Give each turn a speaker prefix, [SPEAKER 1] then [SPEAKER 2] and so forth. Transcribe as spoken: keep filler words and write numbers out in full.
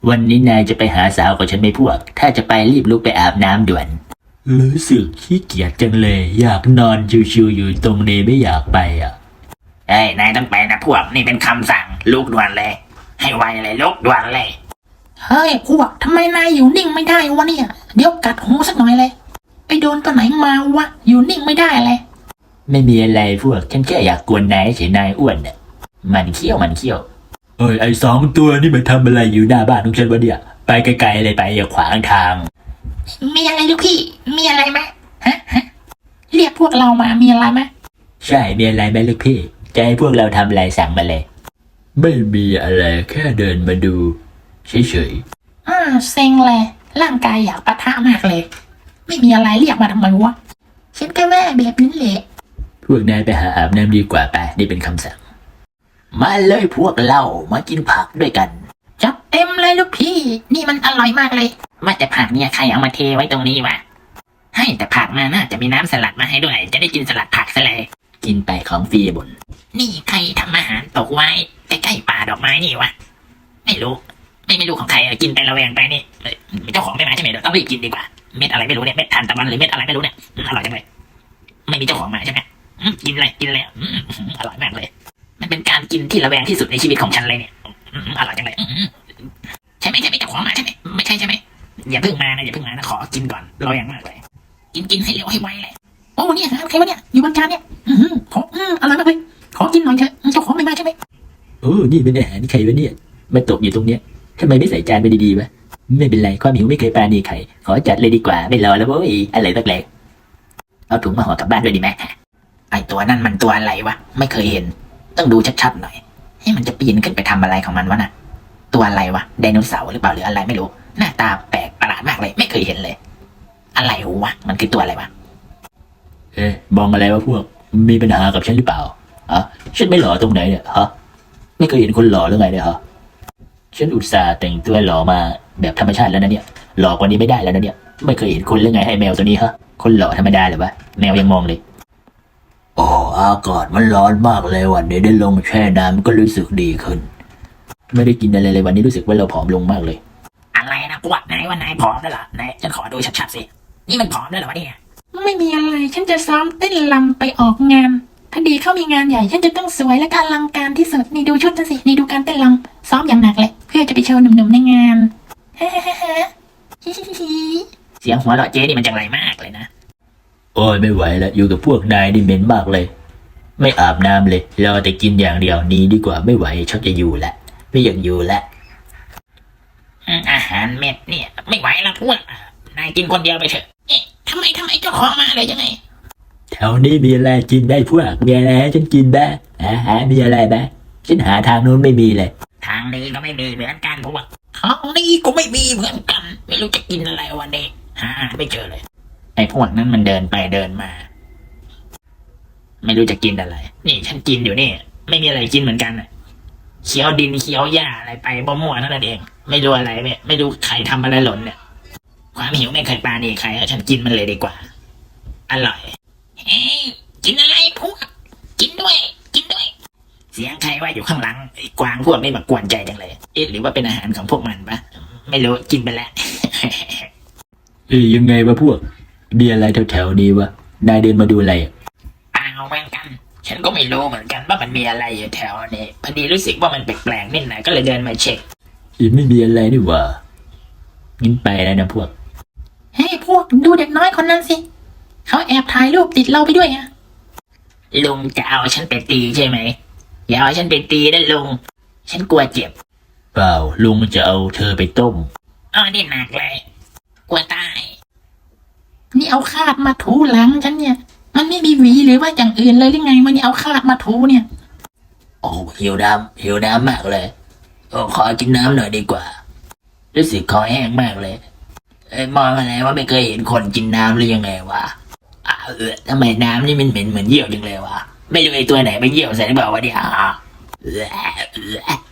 [SPEAKER 1] วันนี้นายจะไปหาสาวกับฉันไหมพวกถ้าจะไปรีบลุกไปอาบน้ำด่วนรู้สึกขี้เกียจจังเลยอยากนอนชิวๆอยู่ตรงนี้ไม่อยากไปอ่ะ
[SPEAKER 2] เอ้ยนายต้องไปนะพวกนี่เป็นคำสั่งลุกด่วนเลยให้ไวเลยลุกด่วนเลย
[SPEAKER 3] เฮ้ยพวกทำไมนายอยู่นิ่งไม่ได้วะเนี่ยเดี๋ยวกัดหูสักหน่อยเลยไปโดนตัวไหนมาวะอยู่นิ่งไม่ได้เลย
[SPEAKER 1] ไม่มีอะไรพวกฉันแค่อยากกวนนายเฉยนายอ้วนน่ะมันเขี้ยวมันเขี้ยวเอ้ยไอ้สองตัวนี่มันทำอะไรอยู่หน้าบ้านของฉันวะเนี่ยไปไกลๆเลยไปอย่าขวางทาง
[SPEAKER 3] มีอะไรลูกพี่มีอะไรไหมฮะฮะเรียกพวกเรามามีอะไรไหม
[SPEAKER 1] ใช่มีอะไรไหมลูกพี่จะให้พวกเราทำอะไรสั่งมาเลยไม่มีอะไรแค่เดินมาดูเฉย
[SPEAKER 3] ๆอ่าเซ็งเลยร่างกายอยากปะทะมากเลยไม่มีอะไรเรียกมาทำไมวะฉันก็แม่แบบนี้แหละ
[SPEAKER 1] พวกนายไปหาอาบน้ำดีกว่าไปนี่เป็นคำสั่งมาเลยพวกเรามากินผักด้วยกัน
[SPEAKER 3] จับเต็มเลยลูกพี่นี่มันอร่อยมากเลย
[SPEAKER 2] ว่าแต่ผักเนี่ยใครเอามาเทไว้ตรงนี้วะให้แต่ผักมาน่าจะมีน้ำสลัดมาให้ด้วยจะได้กินสลัดผักซะเลย
[SPEAKER 1] กินไปของฟรีบน
[SPEAKER 2] นี่ใครทำอาหารตกไว้ใกล้ๆป่าดอกไม้นี่วะไม่รู้ไม่ไม่รู้ของใครกินไประแวงไปนี่เจ้าของไม่มาใช่ไหมเดี๋ยวต้องรีบกินดีกว่าเม็ดอะไรไม่รู้เนี่ยเม็ดทานตะวันหรือเม็ดอะไรไม่รู้เนี่ยอร่อยจังเลยไม่มีเจ้าของมาใช่ไหมกินเลยกินเลยอร่อยมากเลยมันเป็นการกินที่ระแวงที่สุดในชีวิตของฉันเลยเนี่ยอร่อยจังเลยใช่ไหมใช่ไหมเจ้าของมาใช่ไหมไม่ใช่ใช่ไหมอย่าเพิ่งมานะอย่าเพิ่งมานะขอกินก่อนระแวงมากเลยกินกินให้เร็วให้ไวเลย
[SPEAKER 3] โอ้เนี่ยใครวะเนี่ยอยู่บนจานเนี่ยอือขออืออร่อยมากเลยขอกินหน่อยเถอะเจ้าของไม่มาใช่ไหม
[SPEAKER 1] โอ้นี่เป็นอาหารใครวะเนี่ยมาตกอยู่ตรงเนี้ยทำไมไม่ใส่จานไปดีๆวะไม่เป็นไรความหิวไม่เคยปราณีใครขอจัดเลยดีกว่าไม่รอแล้วโว้ยอะไรตักแหลก
[SPEAKER 2] เอาถุงมาห่อกลับบ้านด้วยดีไหมไอตัวนั่นมันตัวอะไรวะไม่เคยเห็นต้องดูชัดๆหน่อยให้มันจะปีนขึ้นไปทำอะไรของมันวะน่ะตัวอะไรวะไดโนเสาร์หรือเปล่าหรืออะไรไม่รู้หน้าตาแปลกประหลาดมากเลยไม่เคยเห็นเลยอะไรวะมันคือตัวอะไรวะ
[SPEAKER 1] เอ๊ะมองอะไรวะพวกมีปัญหากับฉันหรือเปล่าอ่ะฉันไม่หล่อตรงไหนเนี่ยฮะไม่เคยเห็นคนหล่อหรือไงเนี่ยฮะฉันอุตส่าห์แต่งตัวหล่อมาแบบธรรมชาติแล้วนะเนี่ยหล่อกว่านี้ไม่ได้แล้วนะเนี่ยไม่เคยเห็นคนหรือไงให้แมวตัวนี้ฮะคนหล่อธรรมดาหรือวะแมวยังมองเลยโอ้อากาศมันร้อนมากเลยวันนี้ได้ลงแช่น้ำก็รู้สึกดีขึ้นไม่ได้กินอะไรเลยวันนี้รู้สึกว่าเราผอมลงมากเลย
[SPEAKER 2] อะไรนะพวกนายว่านายผอมแล้วเหรอนายฉันขอดูชัดๆสินี่มันผอมแล้วเหรอวะเนี่ย
[SPEAKER 3] ไม่มีอะไรฉันจะซ้อมเต้นรำไปออกงานถ้าดีเข้ามีงานใหญ่ฉันจะต้องสวยและอลังการที่สุดนี่ดูชุดฉันสินี่ดูการเต้นรำซ้อมอย่างหนักเลยเพื่อจะไปโชว์หนุ่มๆในงานฮ่าฮ่าฮ่า
[SPEAKER 2] เสียงหัวเราะเจ๊นี่มันจังไรมากเลยนะ
[SPEAKER 1] โอ้ยไม่ไหวแล้วอยู่กับพวกนายนี่เหม็นมากเลยไม่อาบน้ำเลยรอแต่กินอย่างเดียวนี้ดีกว่าไม่ไหวชักจะอยู่ละไม่อยากอยู่ละ
[SPEAKER 2] อาหารเม็ดเนี่ยไม่ไหวแล้วพวกนายกินคนเดียวไปเถอะเอ๊ะทำไมทำไมเจ้าของมาเลยยังไง
[SPEAKER 1] แถวนี้มีอะไรกินได้พวกมีอะไรให้ฉันกินบ้างอาหารมีอะไรบ้างฉันหาทางโน้นไม่มีเลย
[SPEAKER 2] ทางนี้ก็ไม่มีเหมือนกันพวกทางนี้ก็ไม่มีเหมือนกันไม่รู้จะกินอะไรวันนี้หาไม่เจอเลยไอ้พวกนั้นมันเดินไปเดินมาไม่รู้จะกินอะไรนี่ฉันกินอยู่นี่ไม่มีอะไรกินเหมือนกันเคี้ยวดินเคี้ยวหญ้าอะไรไปมั่วๆนั่นเองไม่รู้อะไรเนี่ยไม่รู้ใครทำอะไรหล่นเนี่ยความหิวไม่เคยปราณีใครฉันกินมันเลยดีกว่าอร่อยเฮ้ยกินอะไรพวกกินด้วยกินด้วยเสียงใครว่าอยู่ข้างหลังไอ้กวางพวกนี้มากวนใจจังเลยเอ๊ะหรือว่าเป็นอาหารของพวกมันปะไม่รู้กินไปแล้ว
[SPEAKER 1] เอ้ยยังไงวะพวกมีอะไรแถวๆนี้วะนายเดินมาดูอะไร
[SPEAKER 2] เปล่าเหมือนกันฉันก็ไม่รู้เหมือนกันว่ามันมีอะไรอยู่แถวนี้พอดีรู้สึกว่ามันแปลกๆนิดหน่อยก็เลยเดินมาเช็ค
[SPEAKER 1] อีไม่มีอะไรนี่หว่างั้นไปแล้วนะพวก
[SPEAKER 3] เฮ้ยพวกดูเด็กน้อยคนนั้นสิเขาแอบถ่ายรูปติดเราไปด้วยอะ
[SPEAKER 2] ลุงจะเอาฉันไปตีใช่ไหมอย่าเอาฉันไปตีนะลุงฉันกลัวเจ็บ
[SPEAKER 1] เปล่าลุงจะเอาเธอไปต้ม
[SPEAKER 2] อ๋อนี่หนักเลยกลัวตาย
[SPEAKER 3] นี่เอาคาดมาถูหลังฉันเนี่ยมันไม่มีหวีหรือว่าอย่างอื่นเลยหรือไงมันนี่เอาคาดมาถูเนี่ย
[SPEAKER 1] โอ้หิวน้ำหิวน้ำมากเลยโอ้ขอกินน้ำหน่อยดีกว่ารู้สึกคอแห้งมากเลยเอ้ยมองอะไรว่าไม่เคยเห็นคนกินน้ำหรือยังไงวะอ้าวเออทำไมน้ำนี่มันเหม็นเหมือนเยี่ยวจังเลยวะไม่รู้ไอ้ตัวไหนไปเยี่ยวใส่หรือเปล่าวะเนี่ย